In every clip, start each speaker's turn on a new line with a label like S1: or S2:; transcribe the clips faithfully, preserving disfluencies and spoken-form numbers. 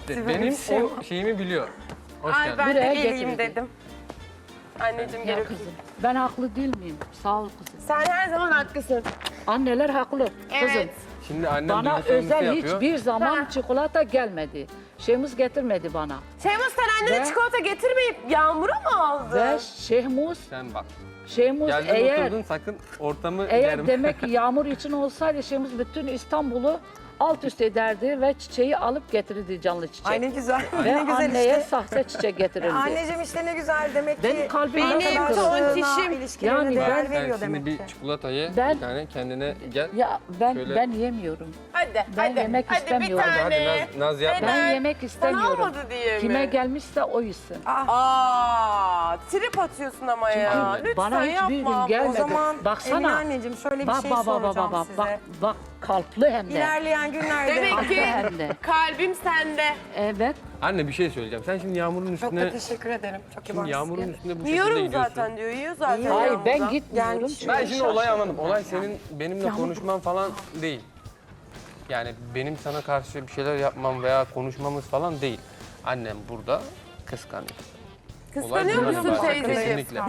S1: işte benim
S2: şey
S1: o şeyimi biliyor. Hoş
S3: Ay
S1: geldin.
S3: ben de
S4: Buraya
S3: geleyim
S4: getirdim.
S3: dedim. Anneciğim
S4: Ya
S3: gel
S4: kızım,
S3: öpeyim.
S4: ben haklı değil miyim? Sağ ol kızım.
S3: Sen her zaman haklısın.
S4: Anneler haklı kızım.
S3: Evet.
S1: Şimdi annem
S4: Bana
S1: duygu sömürüsü
S4: özel
S1: yapıyor.
S4: hiçbir zaman
S3: Ha.
S4: çikolata gelmedi. Şeyimiz getirmedi bana.
S3: Şeymus sen annene
S4: Ve-
S3: çikolata getirmeyip Yağmur'a mı aldın?
S4: Ve Şehmuz,
S1: Sen bak.
S4: Şehmuz
S1: Geldin
S4: eğer
S1: oturdun sakın ortamı
S4: eğer
S1: germe.
S4: demek ki yağmur için olsaydı Şehmuz bütün İstanbul'u alt üst ederdi ve çiçeği alıp getirirdi canlı çiçek.
S2: Ay ne güzel.
S4: Ve
S2: ne güzel
S4: anneye
S2: işte.
S4: sahte çiçek getirirdi.
S2: Anneciğim işte ne güzel demek ki.
S4: Benim kalbim
S3: Benim
S4: nasıl kırıldı?
S3: tontişim.
S2: ilişkilerine
S4: Yani
S2: değer
S4: ben-
S2: veriyor
S1: Sen şimdi
S2: demek
S1: bir
S2: ki.
S1: çikolata ye,
S4: Ben-
S1: bir tane kendine gel.
S4: Ya ben
S1: Şöyle-
S4: ben yemiyorum.
S3: Hadi
S4: Ben
S3: hadi.
S4: yemek
S3: hadi
S4: istemiyorum.
S3: bir
S1: Hadi
S3: tane.
S1: hadi Naz, Naz yapma.
S4: Ben
S3: Neden?
S4: yemek
S3: Sana
S4: istemiyorum.
S3: almadı diye mi?
S4: Kime gelmişse o yesin.
S3: Aa, trip atıyorsun ama ya.
S4: Çünkü
S3: Lütfen
S4: bana hiçbir gün
S3: yapma.
S4: gelmedi.
S2: O zaman
S4: Baksana.
S2: Emine anneciğim şöyle bir
S4: Bak
S2: şey
S4: bak bak bak
S2: soracağım
S4: bak
S2: size.
S4: bak bak kalpli hem de.
S2: İlerleyen günlerde
S3: Demek
S4: Kalpli
S3: ki
S4: hem de.
S3: kalbim sende.
S4: Evet.
S1: Anne bir şey söyleyeceğim. Sen şimdi Yağmur'un
S2: çok
S1: üstüne...
S2: da teşekkür ederim. Çok iyi
S1: Şimdi
S2: varsın.
S1: Yağmur'un üstüne bu şekilde
S3: Yiyorum
S1: gidiyorsun.
S3: zaten diyor. Yiyor zaten.
S2: Yiyor.
S4: Hayır
S3: Yağmur'da.
S4: ben gitmiyorum.
S2: Gelmiş.
S4: çünkü
S1: Ben şimdi olayı
S4: şaşırdım.
S1: anladım. Olay senin benimle konuşman falan değil. Yani benim sana karşı bir şeyler yapmam veya konuşmamız falan değil. Annem burada kıskanıyor.
S3: Kıskanıyor
S1: Olay
S3: musun
S1: bundan ibaret.
S3: teyzeciğim?
S1: Kesinlikle.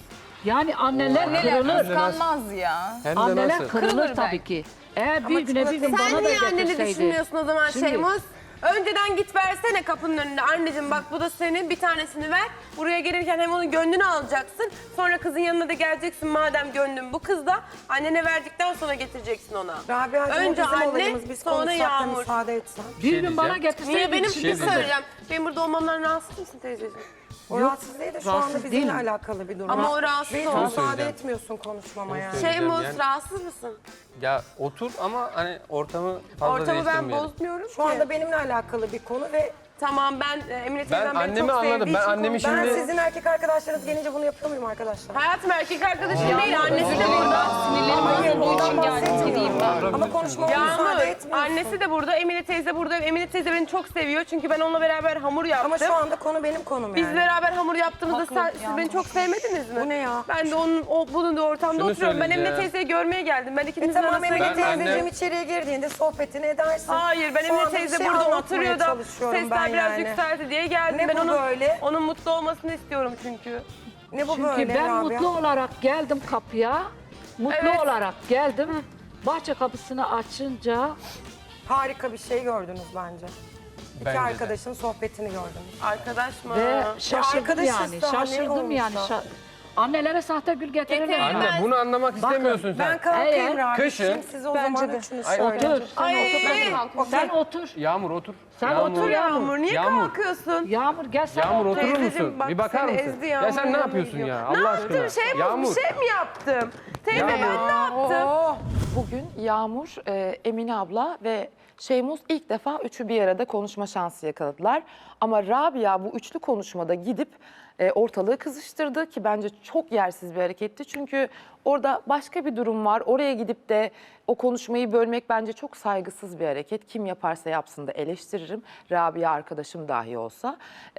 S4: Yani anneler kırılır.
S5: Kıskanmaz ya.
S1: Hem de
S4: Anneler
S1: nasıl?
S4: kırılır
S5: Kırılır
S4: tabii
S5: belki.
S4: ki. Eğer bir güne bir gün
S3: Sen
S4: bana da
S3: niye anneni
S4: getirseydi.
S3: düşünmüyorsun o zaman
S4: Şimdi-
S3: Şeymus? Önceden git versene kapının önünde. Anneciğim bak bu da senin, bir tanesini ver. Buraya gelirken hem onun gönlünü alacaksın. Sonra kızın yanına da geleceksin madem gönlün bu kızda. Annene verdikten sonra getireceksin ona.
S2: Rabia'cığım
S3: Önce
S2: o bizim
S3: anne,
S2: olayımız. Biz
S3: sonra
S2: konuşsak da
S3: Yağmur.
S2: müsaade etsen.
S4: Bir
S1: şey
S4: gün bana
S1: diyeceğim.
S4: getirseydi.
S3: Niye benim
S4: bir
S3: bir
S4: şey
S3: şey
S1: diyeceğim.
S3: söyleyeceğim. Benim burada olmamdan rahatsız mısın teyzeciğim?
S2: O rahatsız değil de şu
S4: rahatsız
S2: anda bizimle
S4: değilim.
S2: alakalı bir durum.
S3: Ama o rahatsız
S2: Belki
S3: oldu.
S2: müsaade
S1: söyleyeceğim.
S2: etmiyorsun konuşmama yani.
S1: söyleyeceğim.
S3: Şeymus
S1: yani-
S3: rahatsız mısın?
S1: Ya otur ama hani ortamı fazla
S3: Ortamı ben
S1: değiştirmeyelim.
S3: bozmuyorum
S2: Şu
S3: ki.
S2: anda benimle alakalı bir konu ve
S3: Tamam ben e, Emine
S1: Ben
S3: teyzem beni
S1: annemi
S3: çok
S1: anladım.
S3: sevdiği
S1: Ben
S3: için
S1: annemi
S3: konuşuyorum.
S2: ben
S1: Şimdi-
S2: sizin erkek arkadaşlarınız gelince bunu yapıyor muyum arkadaşlar?
S3: Hayatım erkek arkadaşım değil, annesi de burada.
S2: Hayır,
S5: Bunun için
S2: ondan
S5: geldim
S2: bahsetmiyorum.
S5: ben.
S2: Ama konuşmama müsaade
S3: Yağmur,
S2: etmiyorsun.
S3: annesi de burada, Emine teyze burada. Emine teyze beni çok seviyor çünkü ben onunla beraber hamur yaptım.
S2: Ama şu anda konu benim konum yani.
S3: Biz beraber hamur yaptığımızda sen, siz beni çok sevmediniz mi?
S2: Bu ne ya?
S3: Ben de onun o bulunduğu ortamda
S1: Şunu
S3: oturuyorum. Ben Emine
S1: söyleyeceğim.
S3: teyzeyi görmeye geldim. Ben
S2: E
S3: ikinizin
S2: tamam
S3: arasına
S2: Emine
S1: Ben
S3: girmedim.
S2: teyzeciğim
S1: anne-
S2: içeriye girdiğinde sohbetini edersin.
S3: Hayır, ben
S2: Şu
S3: Emine
S2: anda bir
S3: teyze
S2: şey
S3: burada
S2: anlatmaya
S3: oturuyor da
S2: çalışıyorum
S3: sesler
S2: ben
S3: biraz
S2: yani.
S3: yükseldi diye geldim.
S2: Ne
S3: ben
S2: bu
S3: onun,
S2: böyle?
S3: onun mutlu olmasını istiyorum çünkü.
S2: Ne bu
S4: Çünkü
S2: böyle
S4: ben
S2: Rabia?
S4: mutlu olarak geldim kapıya. Mutlu
S3: Evet.
S4: olarak geldim. Bahçe kapısını açınca
S2: Harika bir şey gördünüz bence. İki
S1: Bence de.
S2: arkadaşın sohbetini gördünüz.
S3: Arkadaş mı?
S4: ve şaşırdım
S2: arkadaşız
S4: yani.
S2: daha, ne
S4: Şaşırdım yani.
S2: olmuşsa?
S4: Şa- Annelere sahte gül getirirler.
S3: Getirin.
S1: Anne bunu anlamak istemiyorsun sen.
S2: Ben kalkayım
S4: Eğer-
S2: Rabia.
S1: Kışın-
S2: Şimdi siz o
S5: Bence
S2: zaman
S5: de.
S2: üçünüz
S1: Ay,
S2: şöyle.
S4: Otur. Sen
S3: Ay.
S4: otur. Sen otur.
S1: Yağmur otur.
S4: Sen
S1: Yağmur.
S4: otur ya.
S3: Yağmur niye
S1: Yağmur.
S3: kalkıyorsun?
S4: Yağmur gel sen
S1: Yağmur
S4: otur.
S1: oturur
S3: Teyzeciğim,
S1: musun?
S3: bak
S1: Bir bakar
S3: seni
S1: mısın?
S3: ezdi
S1: Ya
S3: Yağmur,
S1: sen ne
S3: yanına
S1: yapıyorsun
S3: gidiyor.
S1: ya?
S3: Ne
S1: Allah
S3: yaptım?
S1: aşkına.
S3: Şey mi,
S1: Yağmur.
S3: bir şey mi yaptım? Teyze
S1: Yağmur.
S3: ben ne yaptım?
S6: Bugün Yağmur, e, Emine abla ve Şeymus ilk defa üçü bir arada konuşma şansı yakaladılar. Ama Rabia bu üçlü konuşmada gidip e, ortalığı kızıştırdı ki bence çok yersiz bir hareketti. Çünkü orada başka bir durum var. Oraya gidip de o konuşmayı bölmek bence çok saygısız bir hareket. Kim yaparsa yapsın da eleştiririm. Rabia arkadaşım dahi olsa.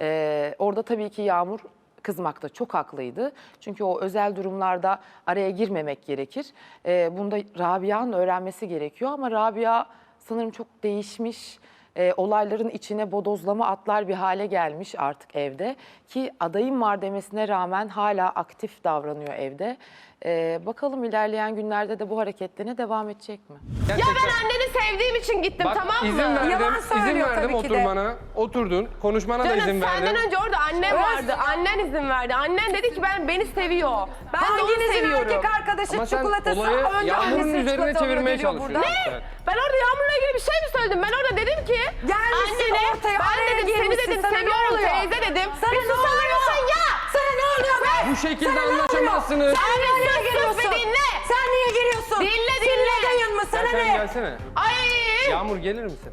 S6: E, orada tabii ki Yağmur kızmakta çok haklıydı. Çünkü o özel durumlarda araya girmemek gerekir. Ee, bunda Rabia'nın öğrenmesi gerekiyor ama Rabia sanırım çok değişmiş. Ee, olayların içine bodozlama atlar bir hale gelmiş artık evde. Ki adayım var demesine rağmen hala aktif davranıyor evde. Ee, bakalım ilerleyen günlerde de bu hareketlerine devam edecek mi?
S3: Ya ben anneni sevdiğim için gittim,
S1: Bak
S3: tamam mı?
S1: izin verdim,
S2: Yalan
S1: izin
S2: söylüyor
S1: verdim
S2: tabii ki de.
S1: oturmana. Oturdun, konuşmana da
S3: Canım
S1: izin verdim.
S3: senden önce orada annem vardı. Annen izin verdi. Annen dedi ki ben beni seviyor. Ben de onu
S2: Hanginizin
S3: seviyorum.
S2: erkek arkadaşı
S1: Ama sen
S2: çikolatası
S1: olayı
S2: önce
S1: Yağmur'un
S2: annesinin
S1: üzerine
S2: çikolata
S1: çevirmeye
S2: alıyor,
S1: çalışıyorsun.
S2: burada.
S1: Evet.
S3: Ben orada Yağmur'la ilgili bir şey mi söyledim? Ben orada dedim ki
S2: Gelmişsin
S3: annene
S2: ortaya,
S3: ben
S2: araya
S3: dedim seni
S2: girmişsin,
S3: dedim
S2: sana ne
S3: seviyorum
S2: oluyor?
S3: teyze dedim.
S2: Sana
S3: bir
S2: ne
S3: susar
S2: oluyor?
S3: mısın ya?
S2: Sana ne oluyor be?
S1: Bu şekilde
S2: Sana ne oluyor?
S1: anlaşamazsınız.
S2: Sen niye
S3: Sus, sus
S2: giriyorsun?
S3: bir dinle.
S2: Sen niye giriyorsun?
S3: Dinle,
S2: Senin
S3: dinle.
S2: adayın mı?
S1: Ya
S2: Sana
S1: sen
S2: ne?
S1: gelsene.
S3: Ay
S1: Yağmur gelir misin?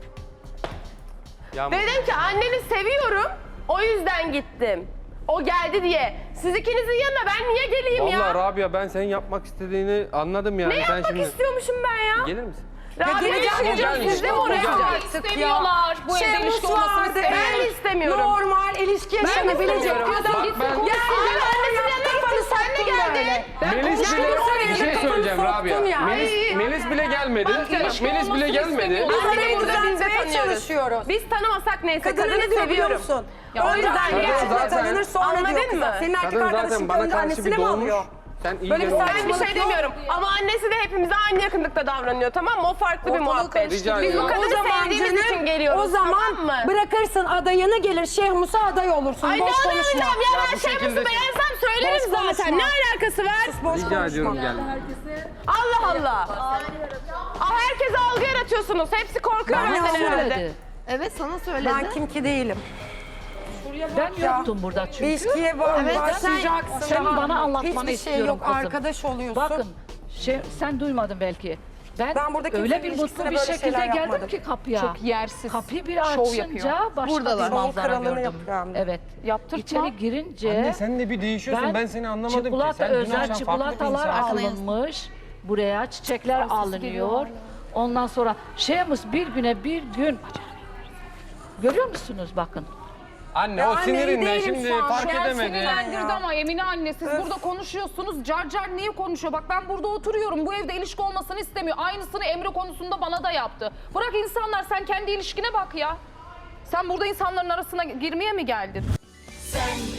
S1: Yağmur.
S3: dedim ki anneni seviyorum o yüzden gittim. O geldi diye. Siz ikinizin yanına ben niye geleyim ya?
S1: Vallahi Rabia ben senin yapmak istediğini anladım yani.
S3: Ne
S1: sen
S3: yapmak
S1: şimdi...
S3: istiyormuşum ben ya?
S1: Gelir misin?
S3: Rabia
S2: geleceğim,
S3: düşünce
S1: geleceğim.
S3: siz de mi
S1: Geleceğim.
S3: oraya
S1: Geleceğim.
S3: artık ya?
S5: İstemiyorlar. Bu evde
S2: Şey,
S5: ilişki
S2: Rus
S5: olmasını
S2: vardı.
S5: istemiyorlar.
S3: Ben de istemiyorum.
S2: Normal ilişki yaşanabilecek
S3: istemiyorum.
S2: bir adam.
S1: Bak ben-
S2: Ya
S3: Abi
S2: sizin
S3: annesinin yanına gittin sen de geldin.
S1: Melis bile
S2: oraya
S1: bir şey
S2: kafanı
S1: söyleyeceğim
S2: soktun
S1: Rabia.
S2: ya.
S1: Melis,
S3: Ay.
S1: Melis bile gelmedi.
S5: Bak, ilişki
S1: Melis bile
S5: olmasını
S1: gelmedi.
S5: istemiyorlar.
S3: Anne
S2: Anne
S3: burada
S2: zaten
S3: bizde
S2: tanımaya
S3: tanıyoruz.
S2: çalışıyoruz.
S3: Biz tanımasak neyse
S2: Kadını
S3: kadını
S2: ne diyor biliyor
S3: seviyorum.
S2: musun?
S3: Ya o
S2: Önce
S3: yüzden
S2: annesine
S1: zaten-
S2: tanınır sonra
S3: Anladın
S2: diyor kıza.
S3: mı?
S2: Senin erkek
S1: Kadın
S2: arkadaşın
S1: zaten bana
S2: önce
S1: karşı bir
S2: annesine mi
S1: dolmuş.
S2: alıyor?
S1: Sen iyi
S2: Böyle bir
S1: gel oğlum.
S3: Ben bir şey demiyorum ama annesi de hepimize aynı yakınlıkta davranıyor, tamam mı? O farklı bir
S2: Ortalığı
S3: muhabbet.
S2: karıştırıyor.
S1: Rica
S3: Biz bu
S1: ediyorum.
S3: kadını
S2: O zaman
S3: sevdiğimiz
S2: canım,
S3: için geliyoruz,
S2: o zaman
S3: tamam mı?
S2: bırakırsın adayını gelir Şeyh Musa aday olursun.
S3: Ay ne
S2: boş konuşma.
S3: anlayacağım ya,
S1: Ya
S3: ben
S1: bu
S3: şey
S1: şekilde-
S3: musu beğensem söylerim
S2: Boş
S3: zaten.
S2: konuşma.
S3: Ne alakası var?
S2: Boş
S1: Rica
S2: konuşma.
S1: ediyorum gel.
S3: Allah Allah. Aa, herkese algı yaratıyorsunuz. Hepsi korkuyor
S2: Ben
S3: benden
S2: yapmadım.
S3: herhalde.
S4: Söyledi.
S5: Evet sana söyledi.
S2: Ben kim ki değilim.
S4: Ben yoktum burada çünkü.
S2: İlişkiye ba- başlayacaksın.
S4: Senin
S2: daha.
S4: bana anlatmanı
S2: Hiçbir şey
S4: istiyorum
S2: yok.
S4: kızım.
S2: Arkadaş oluyorsun.
S4: Bakın şey, sen duymadın belki. Ben,
S2: Ben burada kimsenin
S4: öyle bir
S2: ilişkisine
S4: mutlu bir
S2: böyle
S4: şekilde
S2: şeyler
S4: geldim
S2: yapmadım.
S4: ki kapıya.
S5: Çok yersiz.
S4: Kapıyı bir
S5: şov
S4: açınca
S5: yapıyor.
S4: başka
S5: Buradalar.
S4: bir
S2: Şov
S4: manzara
S2: kralını
S4: gördüm.
S2: yapıyor hem de.
S4: Evet.
S6: Yaptırtma.
S4: İçeri girince
S1: Anne sen de bir değişiyorsun. Ben, seni anlamadım
S4: çikolata,
S1: ki. Sen dün
S4: özel
S1: akşam farklı bir
S4: çikolatalar
S1: insansın.
S4: alınmış. Buraya çiçekler alınıyor. Ondan sonra şeyimiz bir güne bir gün. Görüyor musunuz bakın.
S1: Anne
S2: Ya
S1: o
S2: anne, iyi
S1: sinirinden
S2: değilim
S1: şimdi
S2: şu an.
S1: fark
S2: Şu an
S1: edemedi.
S5: Sinirlendirdi ama Emine anne siz burada konuşuyorsunuz. Car car niye konuşuyor? Bak ben burada oturuyorum. Bu evde ilişki olmasını istemiyor. Aynısını Emre konusunda bana da yaptı. Bırak insanlar sen kendi ilişkine bak ya. Sen burada insanların arasına girmeye mi geldin?
S7: Sen